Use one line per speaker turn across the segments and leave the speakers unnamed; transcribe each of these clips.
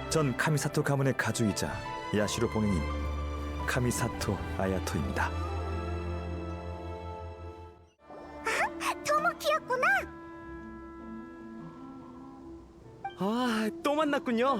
전 카미사토 가문의 가주이자 야시로 봉행인 카미사토 아야토입니다.
토모키였구나.
아, 또 만났군요.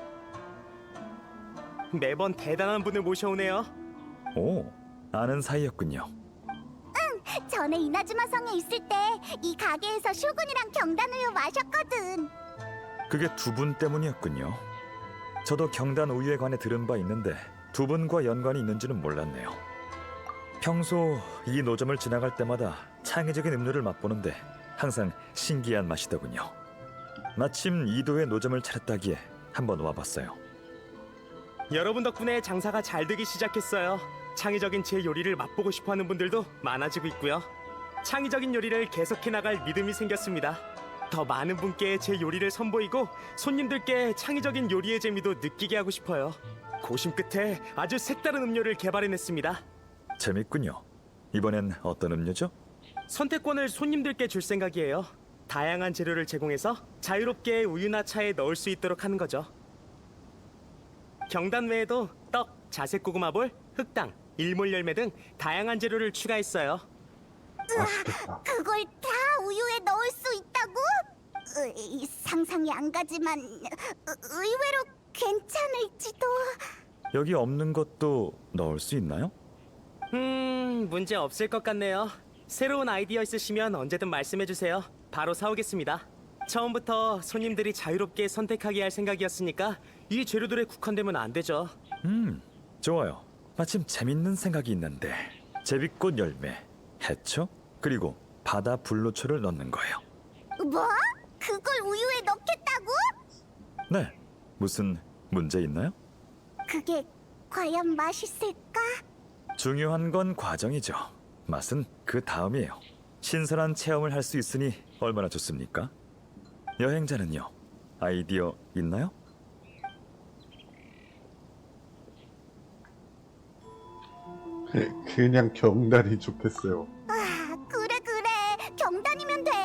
매번 대단한 분을 모셔오네요.
오, 아는 사이였군요.
전에 이나즈마 성에 있을 때 이 가게에서 쇼군이랑 경단우유 마셨거든.
그게 두 분 때문이었군요. 저도 경단 우유에 관해 들은 바 있는데 두 분과 연관이 있는지는 몰랐네요. 평소 이 노점을 지나갈 때마다 창의적인 음료를 맛보는데 항상 신기한 맛이더군요. 마침 이도에 노점을 차렸다기에 한번 와봤어요.
여러분 덕분에 장사가 잘 되기 시작했어요. 창의적인 제 요리를 맛보고 싶어하는 분들도 많아지고 있고요. 창의적인 요리를 계속해 나갈 믿음이 생겼습니다. 더 많은 분께 제 요리를 선보이고 손님들께 창의적인 요리의 재미도 느끼게 하고 싶어요. 고심 끝에 아주 색다른 음료를 개발해냈습니다.
재밌군요. 이번엔 어떤 음료죠?
선택권을 손님들께 줄 생각이에요. 다양한 재료를 제공해서 자유롭게 우유나 차에 넣을 수 있도록 하는 거죠. 경단 외에도 떡, 자색 고구마볼, 흑당, 일몰 열매 등 다양한 재료를 추가했어요.
그걸 다 우유에 넣을 수 있다고? 상상이 안 가지만 의외로 괜찮을지도.
여기 없는 것도 넣을 수 있나요?
문제 없을 것 같네요. 새로운 아이디어 있으시면 언제든 말씀해주세요. 바로 사오겠습니다. 처음부터 손님들이 자유롭게 선택하게 할 생각이었으니까 이 재료들에 국한되면 안 되죠.
좋아요. 마침 재밌는 생각이 있는데 제비꽃 열매, 해초, 그리고 바다 불로초를 넣는 거예요.
뭐? 그걸 우유에 넣겠다고?
네, 무슨 문제 있나요?
그게 과연 맛있을까?
중요한 건 과정이죠. 맛은 그 다음이에요. 신선한 체험을 할 수 있으니 얼마나 좋습니까? 여행자는요, 아이디어 있나요?
그냥 경단이 좋겠어요.
그래 경단이면 돼.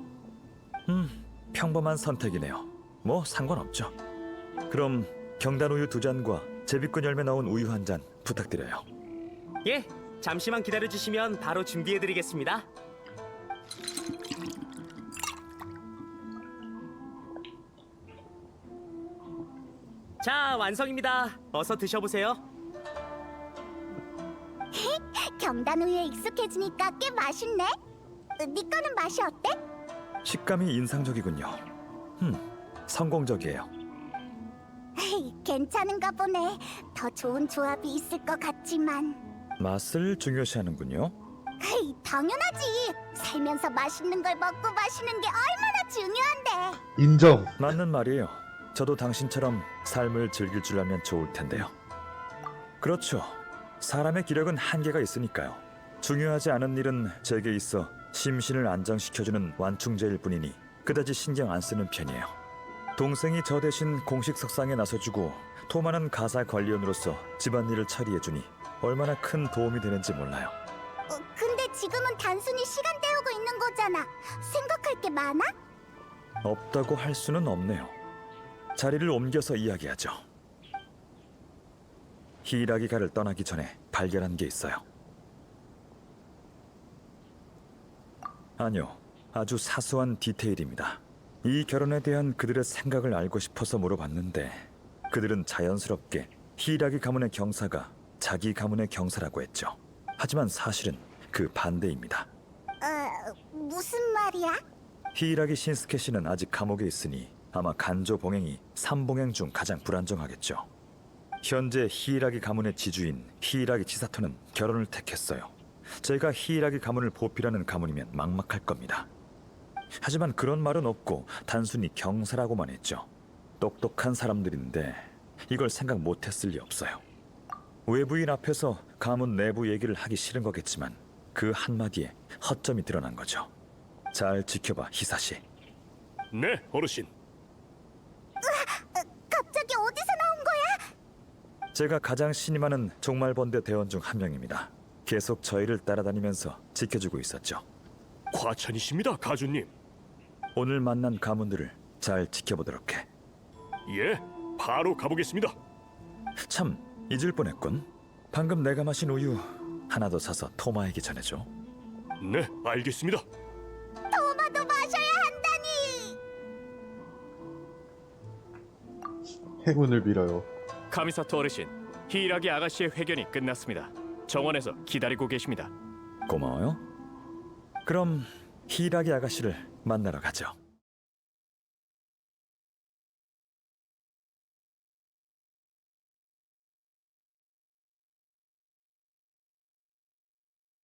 평범한 선택이네요. 뭐 상관없죠. 그럼 경단 우유 2잔과 제비꽃 열매 넣은 우유 1잔 부탁드려요.
예, 잠시만 기다려주시면 바로 준비해드리겠습니다. 자, 완성입니다. 어서 드셔보세요.
경단 우유에 익숙해지니까 꽤 맛있네. 네 거는 맛이 어때?
식감이 인상적이군요. 성공적이에요.
괜찮은가 보네. 더 좋은 조합이 있을 것 같지만.
맛을 중요시하는군요.
당연하지. 살면서 맛있는 걸 먹고 마시는 게 얼마나 중요한데.
인정.
맞는 말이에요. 저도 당신처럼 삶을 즐길 줄 알면 좋을 텐데요. 그렇죠. 사람의 기력은 한계가 있으니까요. 중요하지 않은 일은 제게 있어 심신을 안정시켜주는 완충제일 뿐이니 그다지 신경 안 쓰는 편이에요. 동생이 저 대신 공식 석상에 나서주고 토마는 가사 관리원으로서 집안일을 처리해주니 얼마나 큰 도움이 되는지 몰라요.
근데 지금은 단순히 시간 때우고 있는 거잖아. 생각할 게 많아?
없다고 할 수는 없네요. 자리를 옮겨서 이야기하죠. 히라기가를 떠나기 전에 발견한 게 있어요. 아니요, 아주 사소한 디테일입니다. 이 결혼에 대한 그들의 생각을 알고 싶어서 물어봤는데 그들은 자연스럽게 히라기 가문의 경사가 자기 가문의 경사라고 했죠. 하지만 사실은 그 반대입니다.
무슨 말이야?
히라기 신스케 씨는 아직 감옥에 있으니 아마 간조 봉행이 3봉행 중 가장 불안정하겠죠. 현재 히라기 가문의 지주인 히라기 치사토는 결혼을 택했어요. 제가 히라기 가문을 보필하는 가문이면 막막할 겁니다. 하지만 그런 말은 없고 단순히 경사라고만 했죠. 똑똑한 사람들인데 이걸 생각 못했을 리 없어요. 외부인 앞에서 가문 내부 얘기를 하기 싫은 거겠지만 그 한마디에 허점이 드러난 거죠. 잘 지켜봐, 히사시.
네, 어르신.
갑자기 어디서 나온 거야?
제가 가장 신임하는 종말번대 대원 중 한 명입니다. 계속 저희를 따라다니면서 지켜주고 있었죠.
과찬이십니다, 가주님.
오늘 만난 가문들을 잘 지켜보도록 해.
예, 바로 가보겠습니다.
참 잊을 뻔했군. 방금 내가 마신 우유 하나 더 사서 토마에게 전해줘.
네, 알겠습니다.
토마도 마셔야 한다니.
행운을 빌어요.
카미사토 어르신, 히이라기 아가씨의 회견이 끝났습니다. 정원에서 기다리고 계십니다.
고마워요. 그럼 히라기 아가씨를 만나러 가죠.